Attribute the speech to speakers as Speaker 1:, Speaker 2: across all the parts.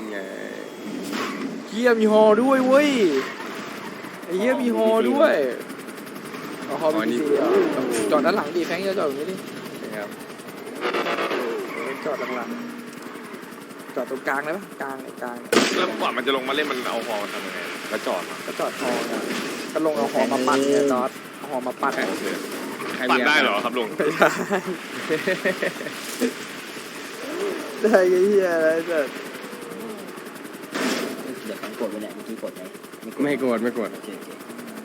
Speaker 1: ไง
Speaker 2: เฮียมีฮอด้วยเว้ยไอ้เฮียมีฮอด้วยเอาฮอบีซีจอดด้านหลังดิแฟงจะจอดตรงนี้ดิ
Speaker 1: นะครับ
Speaker 2: จอดหลังๆจอดตรงกลางเลยปะกลาง
Speaker 1: แล้วก่อนมันจะลงมาเล่นมันเอาฮอทำยังไงแล้วจอดมา
Speaker 2: ก็จอดฮอเนี่ยก็ลงเอาฮอมาปั่นเนี่ยจอดเอาฮอมาปั่น
Speaker 1: ปั่นได้เหรอครับลุง
Speaker 2: ไม่ได้ได้ไอ้เฮียอะไรเกิด
Speaker 3: เดี๋ยวกดไปเนี่ยเมื่อกี้กดไหม
Speaker 1: ไม่โกรธไม่โกรธ
Speaker 3: โอเคโอเค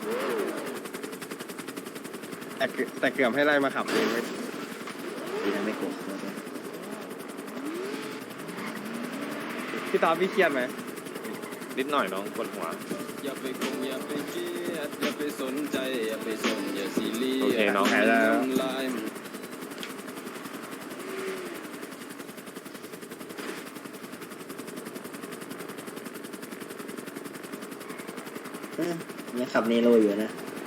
Speaker 1: แต่เกือบให้ไล่มาขับเองไม่
Speaker 3: ดีนะไม่กด
Speaker 1: พี่ตาพี่เครียดไหมนิดหน่อยน้องปวดหัว
Speaker 4: อย่าไปคงอย่าไปเครียดอย่าไปสนใจอย่าไปสนอย่าซีเรียส
Speaker 1: โอเคน้องหายแล้ว
Speaker 4: ทำลายมัน
Speaker 3: เนี่ยขับเนโรอยู่นะ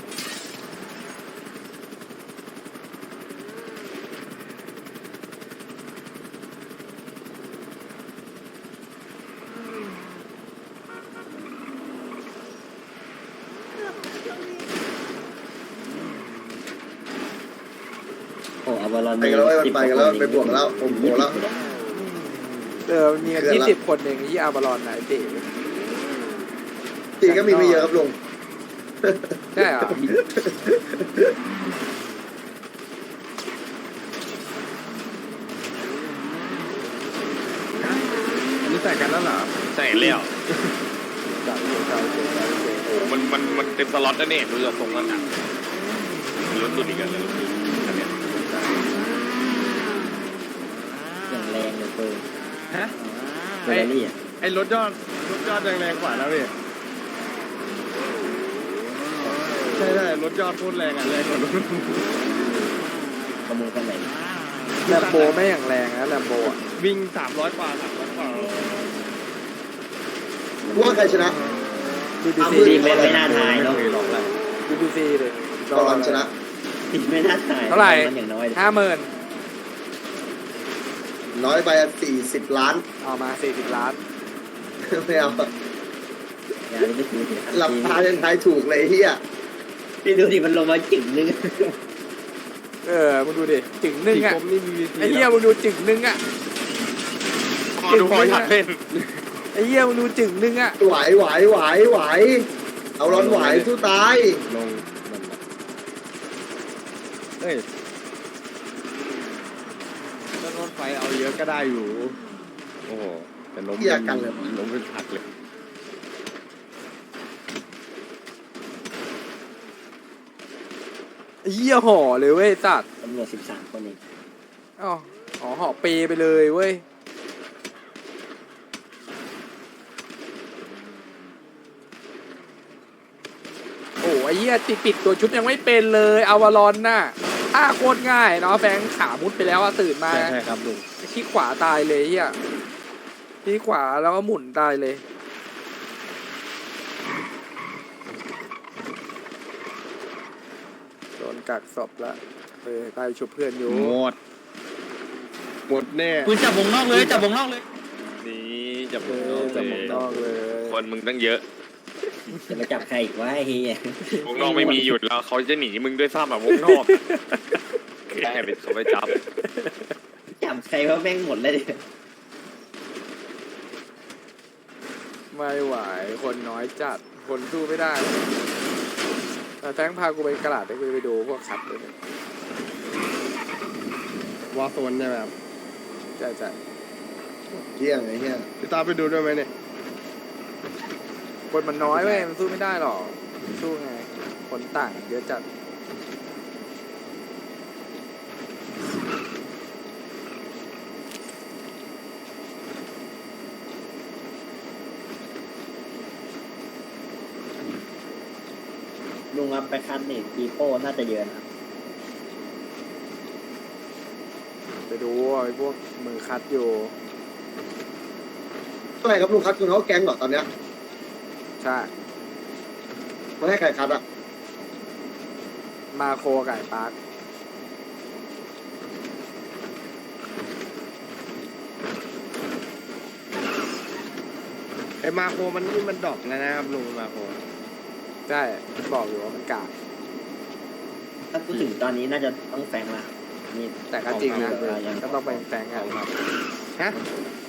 Speaker 3: โอ้อวารอน
Speaker 5: ไปกันแล้วไปกันแล้วไปบวกแล้วผมโหแล้ว
Speaker 2: มีกัน20 คนเองที่อาบารอนไหนเต๋
Speaker 5: ตีก็มีไม่เยอะครับลุง
Speaker 2: ใช่เหรอ
Speaker 1: อันนี้ใส่กันแล้วเหรอใส่แล้วโอ้มันเต็มสล็อตแล้วเนี่ยดูจากทรงแล้วนะลุ้นดูดีกันเลยอันเนี้ย
Speaker 3: อย่างแรงเลยเปิด
Speaker 1: ฮะ
Speaker 3: เฟอร์รารี่อ่ะ
Speaker 1: ไอ้รถยอดแรงกว่าแล้วพี่ใช่รถยอดพูดแรงอ่ะแรงกว่ารถ
Speaker 3: ขโมยกันไหน
Speaker 2: แลมโบไม่อย่างแรงนะแลมโบอ่ะ
Speaker 1: วิ่ง300 กว่า
Speaker 5: ว่าใครชนะ
Speaker 2: BBC
Speaker 3: ดีไม่น่าทายเนาะ
Speaker 2: BBC เลย
Speaker 5: ตอนชนะ
Speaker 3: ดีไม่น่าทาย
Speaker 2: เท่าไหร่
Speaker 3: มันอย่างน้อย
Speaker 2: 50,000
Speaker 5: น้อยไป40 ล้าน
Speaker 2: เอามา40 ล้าน
Speaker 5: ไม่เอา
Speaker 3: อย่าไปดูดิ
Speaker 5: หลับตาเล่นทายถูกเลยเฮีย
Speaker 3: พี่ดูดิมันลงมาจิ๋งนึง
Speaker 2: มึงดูดิจึงนึงอ่ะไอ้เหี้ยมึงดูจึงนึงอ่ะ
Speaker 1: ดูพออยากเล่น
Speaker 2: ไอ้เหี้ยมึงดูจึงนึงอ่ะ
Speaker 5: ไหวเอาร้อนไหวสู้ตาย
Speaker 1: ลงเอ้ยถ้ารถไฟเอาเยอะก็ได้อยู่ โอ้โหแต่ล้มเป็นผักเลย
Speaker 2: ไอ้เหี้ยห่อเลยเว้ยตัด
Speaker 3: ตำรวจ13 คนเอง
Speaker 2: อ๋อห่อเปไปเลยเว้ยโอ้ไอ้เหี้ยปิดตัวชุบยังไม่เป็นเลยอาวารอนน่ะโคตรง่ายเนาะแฟงขามุดไปแล้วตื่นมา
Speaker 1: ใช่ครับลุง
Speaker 2: ที่ขวาตายเลยเหี้ยที่ขวาแล้วก็หมุนตายเลยโดนกักศพละตายชุบเพื่อนอยู่
Speaker 1: หมดแน่
Speaker 4: คุณจับวงนอกเลยจับวงนอกเลย
Speaker 1: นี่จับ
Speaker 2: จะหมดนอกเลย
Speaker 1: คนมึงตั้งเยอะ
Speaker 3: จะมาจับใครอีกวะไอ้เฮียว
Speaker 1: งนอกไม่มีหยุดแล้วเขาจะหนีมึงด้วยซ้ำแบบวงนอกแค่เป็นเขาไปจับ
Speaker 3: จับใครว่าแม่งหมดเลยดิ
Speaker 2: ไม่ไหวคนน้อยจัดคนสู้ไม่ได้แต่แฟงพากูไปกระดาษให้กูไปดูพวกคัดเลย
Speaker 1: วอลโซนใช่ไหมครับ
Speaker 2: ใช่ใช่
Speaker 5: เที่ยงไอ้เฮีย
Speaker 1: พี่ตาไปดูด้วยไหมเนี่ย
Speaker 2: คนมันน้อยเว้ยมันสู้ไม่ได้หรอกสู้ไงคนต่างเยอะจัด
Speaker 3: ลุงรับไปคันนี่ปีโป้น่าจะเยอะนะครับ
Speaker 2: ไปดูไอ้พวกมือคัดอยู่
Speaker 5: เท่าไหร่ครับลุงคัดคุณเขาแก๊งเหรอตอนเนี้ย
Speaker 2: ใช่
Speaker 5: มาให้ใครคัดอะ
Speaker 2: มาโคไก่ปาร์ค
Speaker 4: ไอ้มาโคมันนี่มันดอกแล้วนะครับลุงมาโค
Speaker 2: ใช่บอกอยู่ว่ามันกาก
Speaker 3: ถ้าพูดถึงตอนนี้น่าจะต้องแฟงละนี่
Speaker 2: แต่ก็จริงนะ
Speaker 3: ยัง
Speaker 2: ก็ต้องไปแฝงกัน
Speaker 4: ฮะ